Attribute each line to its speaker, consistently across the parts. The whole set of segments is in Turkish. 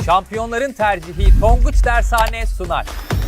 Speaker 1: Şampiyonların tercihi Tonguç Dershane sunar.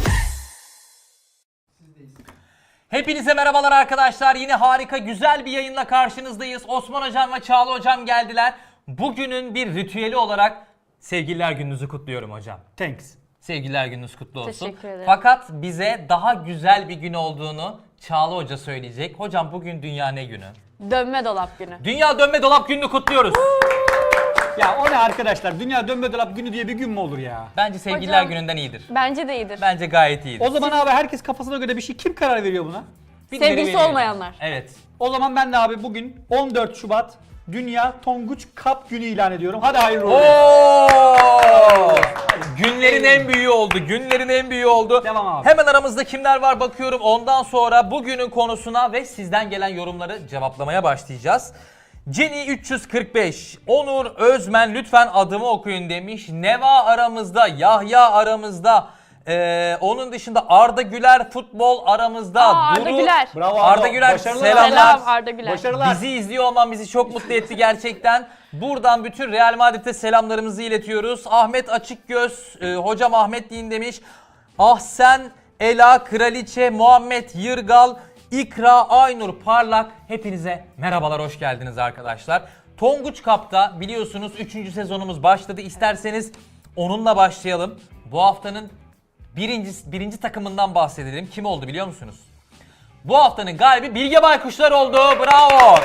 Speaker 1: Hepinize merhabalar arkadaşlar. Yine harika, güzel bir yayınla karşınızdayız. Osman Hocam ve Çağla Hocam geldiler. Bugünün bir ritüeli olarak Sevgililer Gününüzü kutluyorum hocam.
Speaker 2: Thanks.
Speaker 1: Sevgililer Gününüz kutlu olsun.
Speaker 3: Teşekkür ederim.
Speaker 1: Fakat bize daha güzel bir gün olduğunu Çağla Hoca söyleyecek. Hocam bugün Dünya ne günü?
Speaker 3: Dönme dolap günü.
Speaker 1: Dünya Dönme Dolap Günü'nü kutluyoruz.
Speaker 2: Ya o ne arkadaşlar? Dünya Dönme Dolap Günü diye bir gün mü olur ya?
Speaker 1: Bence Sevgililer
Speaker 3: Hocam-
Speaker 1: Günü'nden iyidir.
Speaker 3: Bence de iyidir.
Speaker 1: Bence gayet iyidir.
Speaker 2: O zaman abi herkes kafasına göre bir şey. Kim karar veriyor buna?
Speaker 1: Birileri
Speaker 3: Sevgilisi
Speaker 1: veriyor.
Speaker 3: olmayanlar.
Speaker 1: Evet.
Speaker 2: O zaman ben de abi bugün 14 Şubat Dünya Tonguç Cup Günü ilan ediyorum. Hadi hayırlı olsun.
Speaker 1: Oo! Günlerin en büyüğü oldu. Günlerin en büyüğü oldu.
Speaker 2: Devam abi.
Speaker 1: Hemen aramızda kimler var bakıyorum. Ondan sonra bugünün konusuna ve sizden gelen yorumları cevaplamaya başlayacağız. Jenny 345, Onur Özmen lütfen adımı okuyun demiş. Neva aramızda, Yahya aramızda. Onun dışında Arda Güler futbol aramızda.
Speaker 3: Arda Güler.
Speaker 2: Bravo
Speaker 1: Arda Güler
Speaker 2: Başarılar.
Speaker 1: selamlar.
Speaker 3: Selam Arda Güler.
Speaker 2: Başarılar.
Speaker 1: Bizi izliyor olman bizi çok mutlu etti gerçekten. Buradan bütün Real Madrid'e selamlarımızı iletiyoruz. Ahmet Açıkgöz, hocam Ahmet deyin demiş. Ahsen, Ela, Kraliçe, Muhammed Yırgal, İkra, Aynur Parlak. Hepinize merhabalar, hoş geldiniz arkadaşlar. Tonguç Cup'ta biliyorsunuz 3. sezonumuz başladı. İsterseniz onunla başlayalım. Bu haftanın birinci takımından bahsedelim. Kim oldu biliyor musunuz? Bu haftanın galibi Bilge Baykuşlar oldu. Bravo.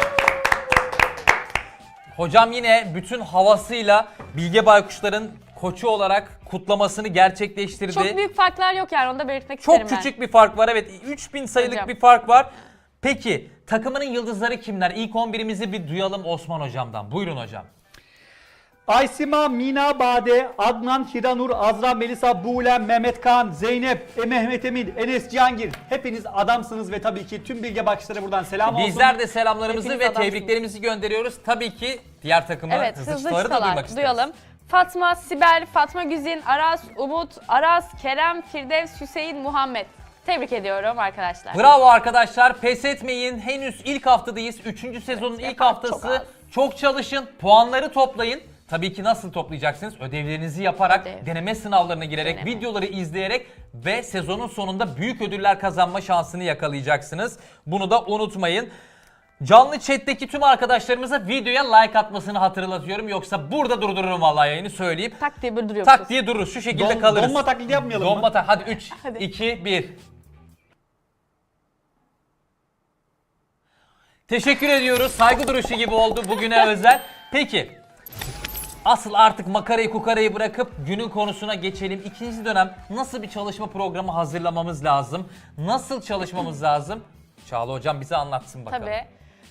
Speaker 1: Hocam yine bütün havasıyla Bilge Baykuşlar'ın koçu olarak kutlamasını gerçekleştirdi.
Speaker 3: Çok büyük farklar yok yani, onu da belirtmek isterim
Speaker 1: Çok
Speaker 3: ben.
Speaker 1: küçük bir fark var. Evet, 3000 sayılık
Speaker 3: Hocam.
Speaker 1: bir fark var. Peki takımının yıldızları kimler? İlk 11'imizi bir duyalım Osman Hocam'dan. Buyurun hocam.
Speaker 2: Aysima, Mina, Bade, Adnan, Hiranur, Azra, Melisa, Buğlem, Mehmet Kaan, Zeynep, Mehmet Emin, Enes Cihangir. Hepiniz adamsınız ve tabii ki tüm Bilge Bakışlara buradan selam olsun.
Speaker 1: Bizler de selamlarımızı
Speaker 3: Hepiniz
Speaker 1: ve
Speaker 3: adamsınız.
Speaker 1: tebriklerimizi gönderiyoruz. Tabii ki diğer takımı
Speaker 3: Evet,
Speaker 1: hızlı
Speaker 3: hızlı
Speaker 1: çıtaları da duymak
Speaker 3: çıtalar
Speaker 1: isteriz.
Speaker 3: duyalım. Fatma, Sibel, Fatma Güzin, Aras, Umut, Aras, Kerem, Firdevs, Hüseyin, Muhammed. Tebrik ediyorum arkadaşlar.
Speaker 1: Bravo arkadaşlar, pes etmeyin. Henüz ilk haftadayız. 3. sezonun ilk
Speaker 3: yapar,
Speaker 1: haftası.
Speaker 3: çok az.
Speaker 1: Çok çalışın, puanları toplayın. Tabii ki nasıl toplayacaksınız? Ödevlerinizi yaparak,
Speaker 3: Ödev.
Speaker 1: deneme sınavlarına girerek,
Speaker 3: Deneme.
Speaker 1: videoları izleyerek ve sezonun sonunda büyük ödüller kazanma şansını yakalayacaksınız. Bunu da unutmayın. Canlı chat'teki tüm arkadaşlarımıza videoya like atmasını hatırlatıyorum. Yoksa burada durdururum vallahi yayını söyleyeyim.
Speaker 3: Tak diye bir duruyormuşuz.
Speaker 1: Tak diye dururuz. Şu şekilde kalırız.
Speaker 2: Donma taklidi yapmayalım
Speaker 1: Donma
Speaker 2: mı?
Speaker 1: Hadi 3,
Speaker 3: Hadi.
Speaker 1: 2, 1. Teşekkür ediyoruz. Saygı duruşu gibi oldu bugüne özel. Peki. Asıl artık makarayı kukarayı bırakıp günün konusuna geçelim. İkinci dönem nasıl bir çalışma programı hazırlamamız lazım? Nasıl çalışmamız lazım? Çağla Hocam bize anlatsın bakalım.
Speaker 3: Tabii.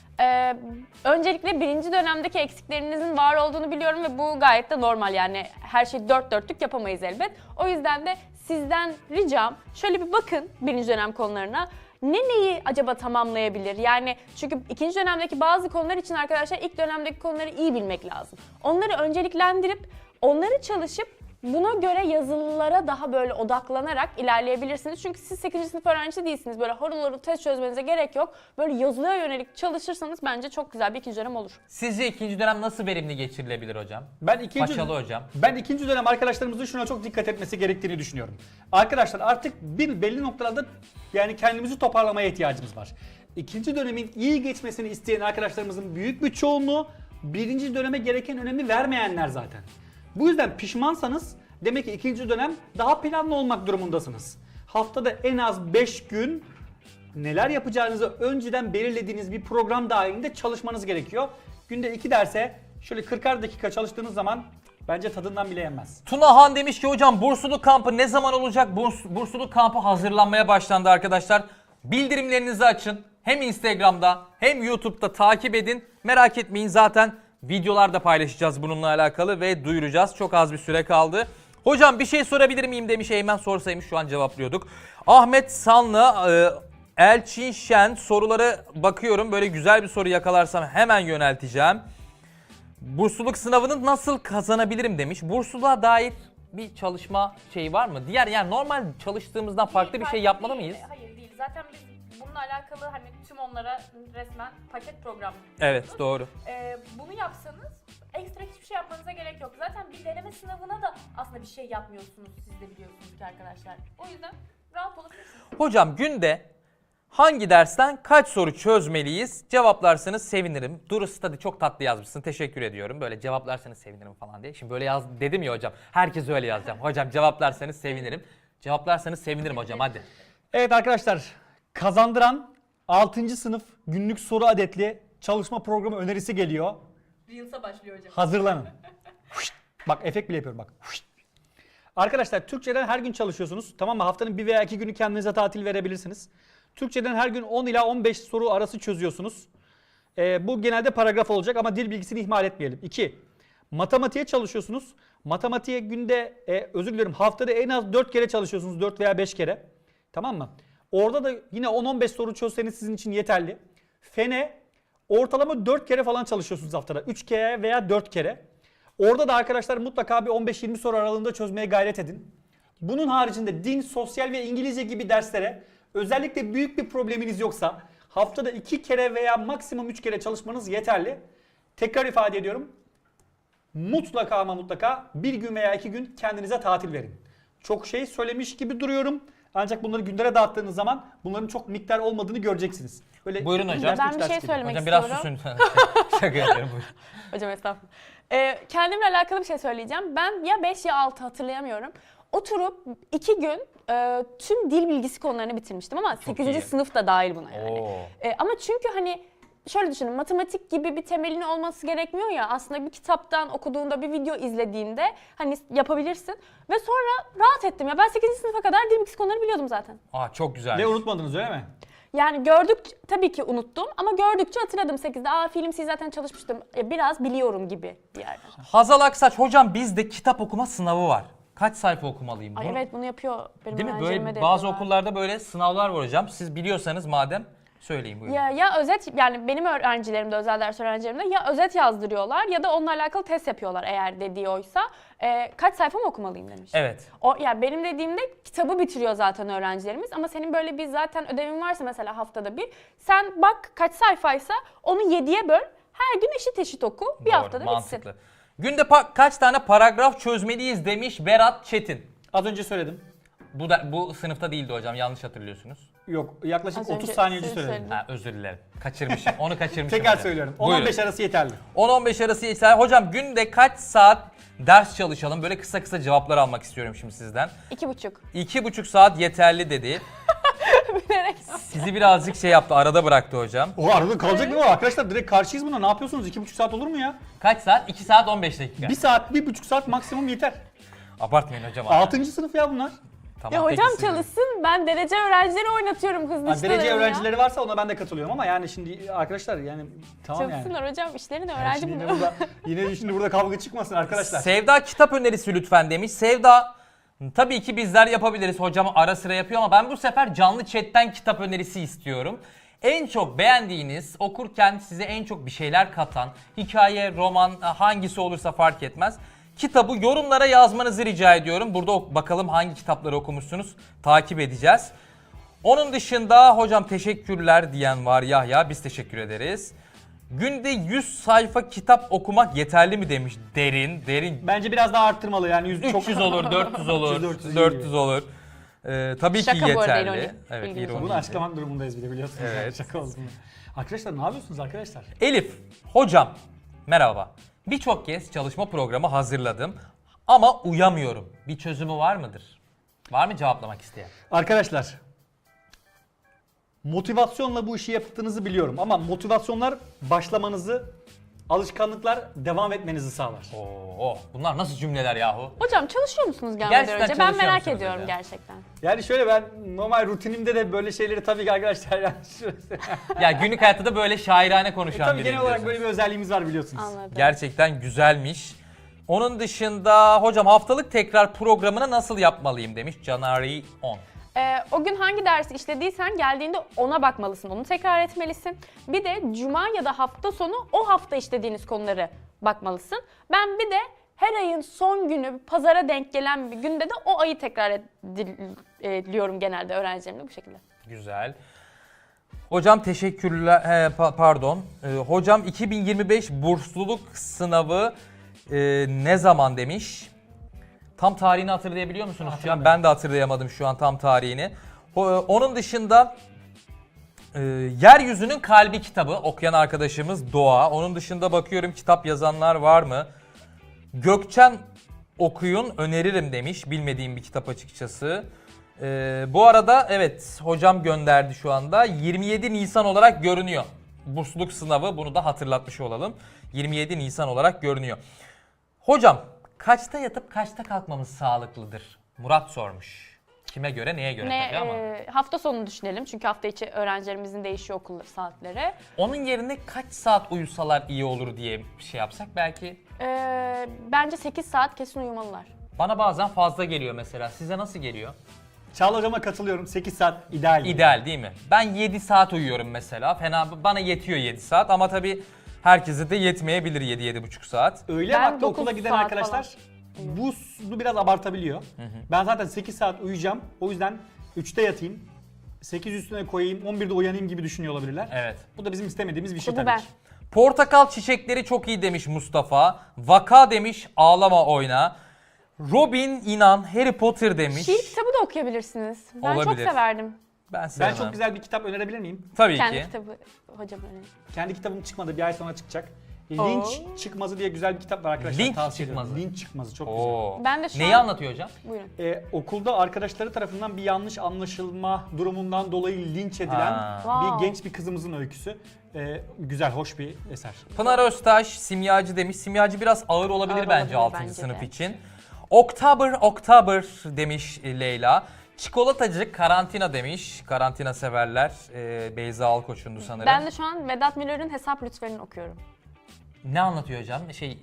Speaker 3: Öncelikle birinci dönemdeki eksiklerinizin var olduğunu biliyorum ve bu gayet de normal, yani her şeyi dört dörtlük yapamayız elbet. O yüzden de sizden ricam şöyle bir bakın birinci dönem konularına. Neyi acaba tamamlayabilir? Yani çünkü ikinci dönemdeki bazı konular için arkadaşlar ilk dönemdeki konuları iyi bilmek lazım. Onları önceliklendirip onları çalışıp buna göre yazılılara daha böyle odaklanarak ilerleyebilirsiniz. Çünkü siz 8. sınıf öğrencisi değilsiniz. Böyle harıl harıl test çözmenize gerek yok. Böyle yazılıya yönelik çalışırsanız bence çok güzel bir ikinci dönem olur.
Speaker 1: Sizce ikinci dönem nasıl verimli geçirilebilir hocam?
Speaker 2: Ben
Speaker 1: Paşalı hocam.
Speaker 2: Ben ikinci dönem arkadaşlarımızın şuna çok dikkat etmesi gerektiğini düşünüyorum. Arkadaşlar artık belli noktalarda yani kendimizi toparlamaya ihtiyacımız var. İkinci dönemin iyi geçmesini isteyen arkadaşlarımızın büyük bir çoğunluğu birinci döneme gereken önemi vermeyenler zaten. Bu yüzden pişmansanız demek ki ikinci dönem daha planlı olmak durumundasınız. Haftada en az 5 gün neler yapacağınızı önceden belirlediğiniz bir program dahilinde çalışmanız gerekiyor. Günde 2 derse şöyle 40'ar dakika çalıştığınız zaman bence tadından bile yenmez.
Speaker 1: Tuna Han demiş ki hocam bursluluk kampı ne zaman olacak? Bursluluk kampı hazırlanmaya başlandı arkadaşlar. Bildirimlerinizi açın. Hem Instagram'da hem YouTube'da takip edin. Merak etmeyin, zaten videolar da paylaşacağız bununla alakalı ve duyuracağız. Çok az bir süre kaldı. Hocam bir şey sorabilir miyim demiş. Eymen sorsaymış şu an cevaplıyorduk. Ahmet Sanlı, Elçin Şen soruları bakıyorum. Böyle güzel bir soru yakalarsam hemen yönelteceğim. Bursluluk sınavını nasıl kazanabilirim demiş. Bursluluğa dair bir çalışma şeyi var mı? Diğer yani normal çalıştığımızdan farklı bir şey yapmalı mıyız?
Speaker 3: Hayır değil. Zaten biz bununla alakalı hani tüm onlara resmen paket program
Speaker 1: Evet, doğru.
Speaker 3: Bunu yapsanız ekstra hiçbir
Speaker 4: şey yapmanıza gerek yok. Zaten bir deneme sınavına da aslında bir şey yapmıyorsunuz, siz de biliyorsunuz ki arkadaşlar. O yüzden rahat olabilirsiniz.
Speaker 1: Hocam günde hangi dersten kaç soru çözmeliyiz? Cevaplarsanız sevinirim. Duru Study çok tatlı yazmışsın. Teşekkür ediyorum. Böyle cevaplarsanız sevinirim falan diye. Şimdi böyle yaz dedim ya hocam. Herkes öyle yazacağım. Hocam cevaplarsanız sevinirim. Cevaplarsanız sevinirim hocam hadi.
Speaker 2: Evet arkadaşlar, kazandıran 6. sınıf günlük soru adetli çalışma programı önerisi geliyor.
Speaker 4: Reels'a başlıyor hocam.
Speaker 2: Hazırlanın. Bak efekt bile yapıyorum bak. Arkadaşlar Türkçeden her gün çalışıyorsunuz. Tamam mı? Haftanın 1 veya 2 günü kendinize tatil verebilirsiniz. Türkçeden her gün 10 ila 15 soru arası çözüyorsunuz. Bu genelde paragraf olacak ama dil bilgisini ihmal etmeyelim. 2. Matematiğe çalışıyorsunuz. Matematiğe günde, özür dilerim, haftada en az 4 kere çalışıyorsunuz. 4 veya 5 kere. Tamam mı? Orada da yine 10-15 soru çözseniz sizin için yeterli. Fene ortalama 4 kere falan çalışıyorsunuz haftada. 3 kere veya 4 kere. Orada da arkadaşlar mutlaka bir 15-20 soru aralığında çözmeye gayret edin. Bunun haricinde din, sosyal ve İngilizce gibi derslere özellikle büyük bir probleminiz yoksa haftada 2 kere veya maksimum 3 kere çalışmanız yeterli. Tekrar ifade ediyorum. Mutlaka ama mutlaka bir gün veya 2 gün kendinize tatil verin. Çok şey söylemiş gibi duruyorum. Ancak bunları günlere dağıttığınız zaman bunların çok miktar olmadığını göreceksiniz. Böyle
Speaker 1: Buyurun hocam.
Speaker 3: Ben bir şey söylemek
Speaker 1: Hocam biraz
Speaker 3: istiyorum.
Speaker 1: susun. Şaka yapıyorum buyurun.
Speaker 3: Hocam estağfurullah. Kendimle alakalı bir şey söyleyeceğim. Ben ya 5 ya 6 hatırlayamıyorum. Oturup 2 gün tüm dil bilgisi konularını bitirmiştim ama 8.
Speaker 1: iyi.
Speaker 3: sınıf da dahil buna yani.
Speaker 1: Oo.
Speaker 3: Ama çünkü hani şöyle düşünün, matematik gibi bir temelin olması gerekmiyor ya, aslında bir kitaptan okuduğunda, bir video izlediğinde hani yapabilirsin. Ve sonra rahat ettim ya, ben 8. sınıfa kadar dil bilgisi konuları biliyordum zaten.
Speaker 1: Aa çok güzel.
Speaker 2: Ve unutmadınız öyle mi?
Speaker 3: Yani gördükçe tabii ki unuttum ama gördükçe hatırladım 8'de. Film C zaten çalışmıştım. Biraz biliyorum gibi bir yerden.
Speaker 1: Hazal Aksaç hocam bizde kitap okuma sınavı var. Kaç sayfa okumalıyım?
Speaker 3: Ay evet, bunu yapıyor benim
Speaker 1: Değil mi?
Speaker 3: öğrencilerime
Speaker 1: Böyle
Speaker 3: de
Speaker 1: bazı
Speaker 3: yapıyorlar.
Speaker 1: okullarda böyle sınavlar var hocam. Siz biliyorsanız madem söyleyin buyurun.
Speaker 3: Ya özet, yani benim öğrencilerimde, özel ders öğrencilerimde ya özet yazdırıyorlar ya da onunla alakalı test yapıyorlar eğer dediği oysa. Kaç sayfa mı okumalıyım demiş.
Speaker 1: Evet.
Speaker 3: Yani benim dediğimde kitabı bitiriyor zaten öğrencilerimiz ama senin böyle bir zaten ödevin varsa mesela haftada bir, sen bak kaç sayfaysa onu 7'ye böl, her gün eşit oku, bir
Speaker 1: Doğru,
Speaker 3: haftada
Speaker 1: mantıklı.
Speaker 3: bitsin.
Speaker 1: Günde kaç tane paragraf çözmeliyiz demiş Berat Çetin.
Speaker 2: Az önce söyledim.
Speaker 1: Bu sınıfta değildi hocam, yanlış hatırlıyorsunuz.
Speaker 2: Yok, yaklaşık
Speaker 3: Az
Speaker 2: 30
Speaker 3: önce
Speaker 2: saniye önce
Speaker 3: siz
Speaker 2: söyledim.
Speaker 3: söylediniz.
Speaker 1: Ha, özür dilerim. Kaçırmışım. Onu kaçırmışım.
Speaker 2: Tekrar
Speaker 1: hocam.
Speaker 2: söylüyorum.
Speaker 1: Buyurun.
Speaker 2: 10-15 arası yeterli.
Speaker 1: 10-15 arası yeter. Hocam günde kaç saat ders çalışalım? Böyle kısa kısa cevaplar almak istiyorum şimdi sizden.
Speaker 3: 2,5.
Speaker 1: 2,5 saat yeterli dedi. Sizi birazcık şey yaptı, arada bıraktı hocam.
Speaker 2: O arada kalacak mı o? Arkadaşlar direkt karşıyız buna. Ne yapıyorsunuz? 2,5 saat olur mu ya?
Speaker 1: Kaç saat? 2 saat 15 dakika.
Speaker 2: 1 saat, 1,5 saat maksimum yeter.
Speaker 1: Abartmayın hocam.
Speaker 2: 6. sınıf ya bunlar.
Speaker 1: Tamam,
Speaker 3: Ya
Speaker 1: peki
Speaker 3: hocam
Speaker 1: siz-
Speaker 3: çalışsın, ben derece öğrencileri oynatıyorum hızlı
Speaker 2: Ha,
Speaker 3: işlerim
Speaker 2: derece
Speaker 3: ya.
Speaker 2: öğrencileri varsa ona ben de katılıyorum ama yani şimdi arkadaşlar yani tamam yani.
Speaker 3: Çalışsınlar hocam, işlerini
Speaker 2: Yani
Speaker 3: öğrenci
Speaker 2: şimdi
Speaker 3: bunu.
Speaker 2: yine şimdi burada kavga çıkmasın arkadaşlar.
Speaker 1: Sevda kitap önerisi lütfen demiş. Sevda, tabii ki bizler yapabiliriz. Hocam ara sıra yapıyor ama ben bu sefer canlı chatten kitap önerisi istiyorum. En çok beğendiğiniz, okurken size en çok bir şeyler katan, hikaye, roman, hangisi olursa fark etmez. Kitabı yorumlara yazmanızı rica ediyorum. Burada bakalım hangi kitapları okumuşsunuz, takip edeceğiz. Onun dışında hocam teşekkürler diyen var Yahya, biz teşekkür ederiz. Günde 100 sayfa kitap okumak yeterli mi demiş derin.
Speaker 2: Bence biraz daha arttırmalı yani
Speaker 1: 300 olur, 400 olur,
Speaker 2: 400 iyi
Speaker 1: 400 olur. Tabii
Speaker 3: Şaka
Speaker 1: ki
Speaker 3: bu arada,
Speaker 1: yeterli.
Speaker 3: ironi.
Speaker 1: Evet,
Speaker 3: Bilginiz
Speaker 1: ironi.
Speaker 2: Bunu açıklamak durumundayız bir de biliyorsunuz.
Speaker 1: Evet.
Speaker 2: Yani şaka olsun. Arkadaşlar ne yapıyorsunuz arkadaşlar?
Speaker 1: Elif, hocam merhaba. Birçok kez çalışma programı hazırladım ama uyamıyorum. Bir çözümü var mıdır? Var mı cevaplamak isteyen?
Speaker 2: Arkadaşlar motivasyonla bu işi yaptığınızı biliyorum ama motivasyonlar başlamanızı, alışkanlıklar devam etmenizi sağlar.
Speaker 1: Oo, bunlar nasıl cümleler yahu?
Speaker 3: Hocam çalışıyor musunuz gelmeden
Speaker 1: Gerçekten
Speaker 3: önce? Ben
Speaker 1: çalışıyor
Speaker 3: merak
Speaker 1: musunuz
Speaker 3: ediyorum
Speaker 1: hocam?
Speaker 3: gerçekten.
Speaker 2: Yani şöyle ben normal rutinimde de böyle şeyleri tabii ki arkadaşlar yani
Speaker 1: Ya günlük hayatta da böyle şairane konuşan
Speaker 2: tabii
Speaker 1: biri
Speaker 2: genel olarak
Speaker 1: diyorsunuz.
Speaker 2: böyle bir özelliğimiz var biliyorsunuz.
Speaker 3: Anladım.
Speaker 1: Gerçekten güzelmiş. Onun dışında hocam haftalık tekrar programını nasıl yapmalıyım demiş Canari 10.
Speaker 3: O gün hangi dersi işlediysen geldiğinde ona bakmalısın, onu tekrar etmelisin. Bir de cuma ya da hafta sonu o hafta işlediğiniz konuları bakmalısın. Ben bir de her ayın son günü, pazara denk gelen bir günde de o ayı tekrar ediyorum genelde öğrencilerimle bu şekilde.
Speaker 1: Güzel. Hocam teşekkürler, pardon. Hocam 2025 bursluluk sınavı Ne zaman demiş. Tam tarihini hatırlayabiliyor musunuz şu an? Ben de hatırlayamadım şu an tam tarihini. Onun dışında Yeryüzünün Kalbi kitabı okuyan arkadaşımız Doğa. Onun dışında bakıyorum kitap yazanlar var mı? Gökçen okuyun öneririm demiş. Bilmediğim bir kitap açıkçası. Bu arada evet hocam gönderdi şu anda. 27 Nisan olarak görünüyor. Bursluluk sınavı, bunu da hatırlatmış olalım. 27 Nisan olarak görünüyor. Hocam kaçta yatıp kaçta kalkmamız sağlıklıdır? Murat sormuş. Kime göre neye göre tabii ama.
Speaker 3: Hafta sonunu düşünelim çünkü hafta içi öğrencilerimizin değişiyor okul saatleri.
Speaker 1: Onun yerine kaç saat uyusalar iyi olur diye bir şey yapsak belki.
Speaker 3: Bence 8 saat kesin uyumalılar.
Speaker 1: Bana bazen fazla geliyor mesela. Size nasıl geliyor?
Speaker 2: Çağla hocama katılıyorum. 8 saat ideal.
Speaker 1: İdeal değil mi? Ben 7 saat uyuyorum mesela. Bana yetiyor 7 saat ama tabii herkese de yetmeyebilir 7-7,5 saat.
Speaker 2: Öğle
Speaker 3: Ben
Speaker 2: vakti
Speaker 3: 9
Speaker 2: okula giden
Speaker 3: saat
Speaker 2: arkadaşlar bunu biraz abartabiliyor. Ben zaten 8 saat uyuyacağım. O yüzden 3'te yatayım. 8 üstüne koyayım, 11'de uyanayım gibi düşünüyor olabilirler.
Speaker 1: Evet.
Speaker 2: Bu da bizim istemediğimiz bir şey
Speaker 3: Bu
Speaker 2: tabii
Speaker 3: ben.
Speaker 2: ki.
Speaker 1: Portakal çiçekleri çok iyi demiş Mustafa. Vaka demiş ağlama oyna. Robin inan Harry Potter demiş.
Speaker 3: Şiir kitabı da okuyabilirsiniz. Ben çok
Speaker 1: Olabilir.
Speaker 3: severdim.
Speaker 1: Ben
Speaker 2: Ben
Speaker 1: sevmem.
Speaker 2: çok güzel bir kitap önerebilir miyim?
Speaker 1: Tabii
Speaker 3: Kendi
Speaker 1: ki.
Speaker 3: kitabı hocam öyle.
Speaker 2: Kendi kitabım çıkmadı, bir ay sonra çıkacak. Linç Çıkmazı diye güzel bir kitap var arkadaşlar.
Speaker 1: Linç
Speaker 2: tavsiye
Speaker 1: Çıkmazı.
Speaker 2: ediyorum. Linç Çıkmazı çok
Speaker 1: Oo.
Speaker 3: Ben de şu
Speaker 1: Neyi
Speaker 3: an-
Speaker 1: anlatıyor hocam?
Speaker 3: Buyurun.
Speaker 2: güzel. Okulda arkadaşları tarafından bir yanlış anlaşılma durumundan dolayı linç edilen
Speaker 1: Ha.
Speaker 3: Wow.
Speaker 2: genç bir kızımızın öyküsü. Güzel, hoş bir eser.
Speaker 1: Pınar Öztaş simyacı demiş. Simyacı biraz ağır olabilir
Speaker 3: Ağır
Speaker 1: bence
Speaker 3: olabilir
Speaker 1: 6.
Speaker 3: bence
Speaker 1: sınıf
Speaker 3: de.
Speaker 1: için. Oktober demiş Leyla. Çikolatacı karantina demiş. Karantina severler. Beyza Alkoç'undu sanırım.
Speaker 3: Ben de şu an Vedat Milor'un Hesap Lütfen'ini okuyorum.
Speaker 1: Ne anlatıyor hocam?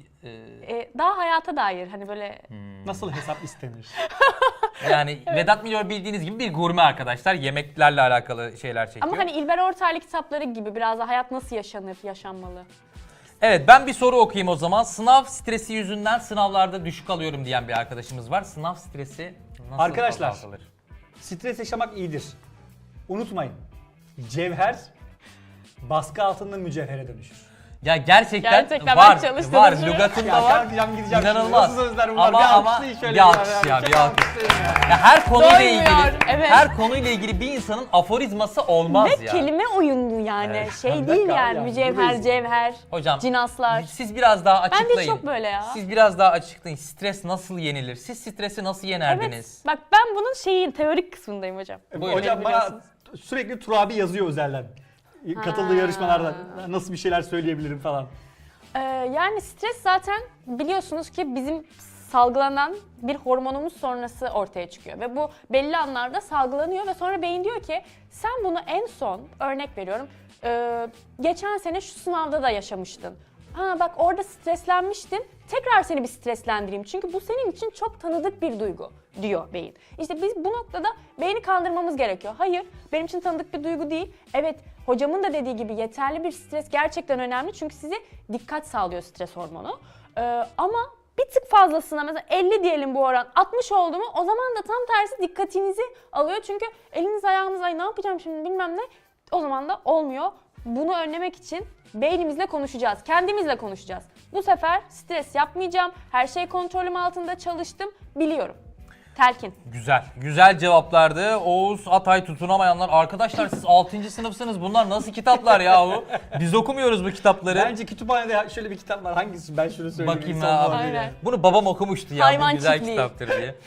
Speaker 3: Daha hayata dair hani böyle
Speaker 2: Nasıl hesap istenir?
Speaker 1: Yani Vedat Milor bildiğiniz gibi bir gurme arkadaşlar. Yemeklerle alakalı şeyler çekiyor.
Speaker 3: ama hani İlber Ortaylı kitapları gibi biraz da hayat nasıl yaşanır, yaşanmalı.
Speaker 1: Evet ben bir soru okuyayım o zaman. Sınav stresi yüzünden sınavlarda düşük alıyorum diyen bir arkadaşımız var. Sınav stresi nasıl
Speaker 2: Arkadaşlar.
Speaker 1: azaltılır?
Speaker 2: Stres yaşamak iyidir. Unutmayın. Cevher baskı altında mücevhere dönüşür.
Speaker 1: Ya gerçekten,
Speaker 3: Gerçekten
Speaker 1: var,
Speaker 3: ben çalıştığım
Speaker 1: var.
Speaker 3: için-
Speaker 1: Lügatında
Speaker 2: Ya
Speaker 1: var.
Speaker 2: kalkacağım gideceğim şimdi.
Speaker 1: İnanılmaz.
Speaker 2: Nasıl sözler bunlar?
Speaker 1: Ama,
Speaker 2: Bir
Speaker 1: ama
Speaker 2: alkışlayın şöyle
Speaker 1: bir alkış ya, bir alkış. Ya her konuyla
Speaker 3: Doymuyor,
Speaker 1: ilgili,
Speaker 3: evet.
Speaker 1: her konuyla ilgili bir insanın aforizması olmaz
Speaker 3: Ve
Speaker 1: ya.
Speaker 3: kelime oyunlu yani.
Speaker 1: Evet.
Speaker 3: Şey
Speaker 2: Bir
Speaker 3: değil
Speaker 2: dakika
Speaker 3: yani
Speaker 2: ya,
Speaker 3: mücevher,
Speaker 2: buradayız.
Speaker 3: cevher,
Speaker 1: Hocam
Speaker 3: cinaslar.
Speaker 1: siz biraz daha
Speaker 3: Ben
Speaker 1: açıklayın.
Speaker 3: de çok böyle ya.
Speaker 1: Siz biraz daha açıklayın. Stres nasıl yenilir? Siz stresi nasıl yenerdiniz?
Speaker 3: Evet. Bak ben bunun teorik kısmındayım hocam.
Speaker 1: Buyurun.
Speaker 2: Hocam bana sürekli Turabi yazıyor özelden. Katıldığı yarışmalarda nasıl bir şeyler söyleyebilirim falan.
Speaker 3: Yani stres zaten biliyorsunuz ki bizim salgılanan bir hormonumuz sonrası ortaya çıkıyor. Ve bu belli anlarda salgılanıyor ve sonra beyin diyor ki sen bunu en son örnek veriyorum geçen sene şu sınavda da yaşamıştın. Ha bak orada streslenmiştin. Tekrar seni bir streslendireyim. Çünkü bu senin için çok tanıdık bir duygu diyor beyin. İşte biz bu noktada beyni kandırmamız gerekiyor. Hayır, benim için tanıdık bir duygu değil. Evet, hocamın da dediği gibi yeterli bir stres gerçekten önemli. Çünkü size dikkat sağlıyor stres hormonu. Ama bir tık fazlasına mesela 50 diyelim bu oran 60 oldu mu o zaman da tam tersi dikkatinizi alıyor. Çünkü eliniz ayağınız ay ne yapacağım şimdi bilmem ne o zaman da olmuyor. Bunu önlemek için beynimizle konuşacağız, kendimizle konuşacağız. Bu sefer stres yapmayacağım, her şey kontrolüm altında çalıştım, biliyorum. Telkin.
Speaker 1: Güzel. Güzel cevaplardı. Oğuz Atay tutunamayanlar. Arkadaşlar siz 6. sınıfsınız. Bunlar nasıl kitaplar yahu? Biz okumuyoruz bu kitapları.
Speaker 2: Bence kütüphanede şöyle bir kitap var. Hangisi? Ben şunu söyleyeyim.
Speaker 1: Bakayım
Speaker 2: Son
Speaker 1: ha.
Speaker 2: muhabbeti.
Speaker 3: Aynen.
Speaker 1: Bunu babam okumuştu ya.
Speaker 3: Hayvan
Speaker 1: Bu güzel
Speaker 3: çiftliği.
Speaker 1: kitaptır diye.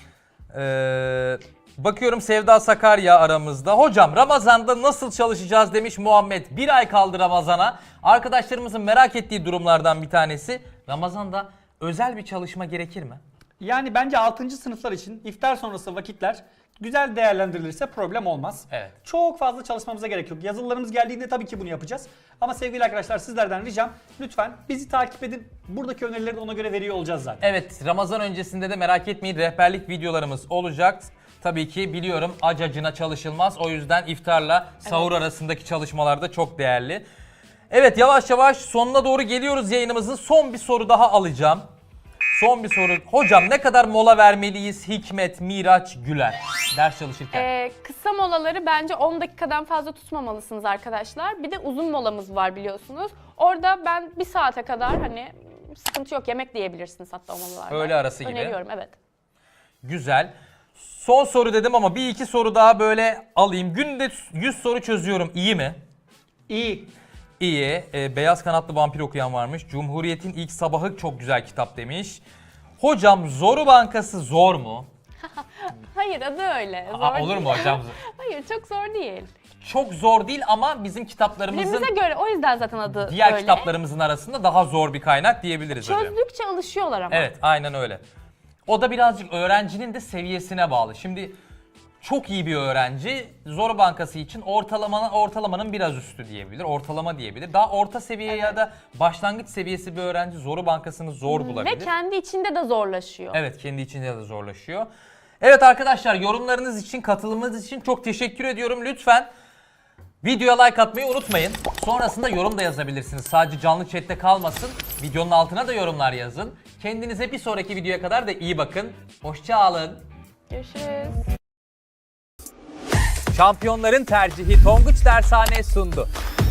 Speaker 1: Bakıyorum Sevda Sakarya aramızda. Hocam Ramazan'da nasıl çalışacağız demiş Muhammed. Bir ay kaldı Ramazan'a. Arkadaşlarımızın merak ettiği durumlardan bir tanesi. Ramazan'da özel bir çalışma gerekir mi?
Speaker 2: Yani bence 6. sınıflar için iftar sonrası vakitler güzel değerlendirilirse problem olmaz.
Speaker 1: Evet.
Speaker 2: Çok fazla çalışmamıza gerek yok. Yazılılarımız geldiğinde tabii ki bunu yapacağız. Ama sevgili arkadaşlar sizlerden ricam lütfen bizi takip edin. Buradaki önerileri de ona göre veriyor olacağız zaten.
Speaker 1: Evet, Ramazan öncesinde de merak etmeyin rehberlik videolarımız olacak. Tabii ki biliyorum acacına çalışılmaz. O yüzden iftarla sahur arasındaki çalışmalar da çok değerli. Evet, yavaş yavaş sonuna doğru geliyoruz yayınımızın. Son bir soru daha alacağım. Son bir soru. Hocam ne kadar mola vermeliyiz Hikmet, Miraç, Güler ders çalışırken?
Speaker 3: Kısa molaları bence 10 dakikadan fazla tutmamalısınız arkadaşlar. Bir de uzun molamız var biliyorsunuz. Orada ben 1 saate kadar hani sıkıntı yok. Yemek de yiyebilirsiniz hatta o molalarda.
Speaker 1: Öğle arası gibi.
Speaker 3: Öneriyorum, evet.
Speaker 1: Güzel. Son soru dedim ama bir iki soru daha böyle alayım. Günde 100 soru çözüyorum. İyi mi?
Speaker 2: İyi.
Speaker 1: İyi. Beyaz Kanatlı Vampir okuyan varmış. Cumhuriyet'in ilk sabahı çok güzel kitap demiş. Hocam Zoru Bankası zor mu?
Speaker 3: Hayır, adı öyle. Zor
Speaker 1: Aa, olur
Speaker 3: değil.
Speaker 1: mu hocam?
Speaker 3: Hayır, çok zor değil.
Speaker 1: Çok zor değil ama bizim kitaplarımızın
Speaker 3: Birbirimize göre, o yüzden zaten adı
Speaker 1: diğer
Speaker 3: öyle.
Speaker 1: kitaplarımızın arasında daha zor bir kaynak diyebiliriz hocam.
Speaker 3: Çözdükçe alışıyorlar ama.
Speaker 1: Evet, aynen öyle. O da birazcık öğrencinin de seviyesine bağlı. Şimdi çok iyi bir öğrenci Zoru Bankası için ortalamanın biraz üstü diyebilir. Ortalama diyebilir. Daha orta seviye ya da başlangıç seviyesi bir öğrenci Zoru Bankası'nı zor bulabilir.
Speaker 3: Ve kendi içinde de zorlaşıyor.
Speaker 1: Evet, kendi içinde de zorlaşıyor. Evet arkadaşlar, yorumlarınız için, katılımınız için çok teşekkür ediyorum. Lütfen videoya like atmayı unutmayın. Sonrasında yorum da yazabilirsiniz. Sadece canlı chatte kalmasın. Videonun altına da yorumlar yazın. Kendinize bir sonraki videoya kadar da iyi bakın. Hoşça kalın.
Speaker 3: Görüşürüz.
Speaker 1: Şampiyonların tercihi Tonguç Dershane sundu.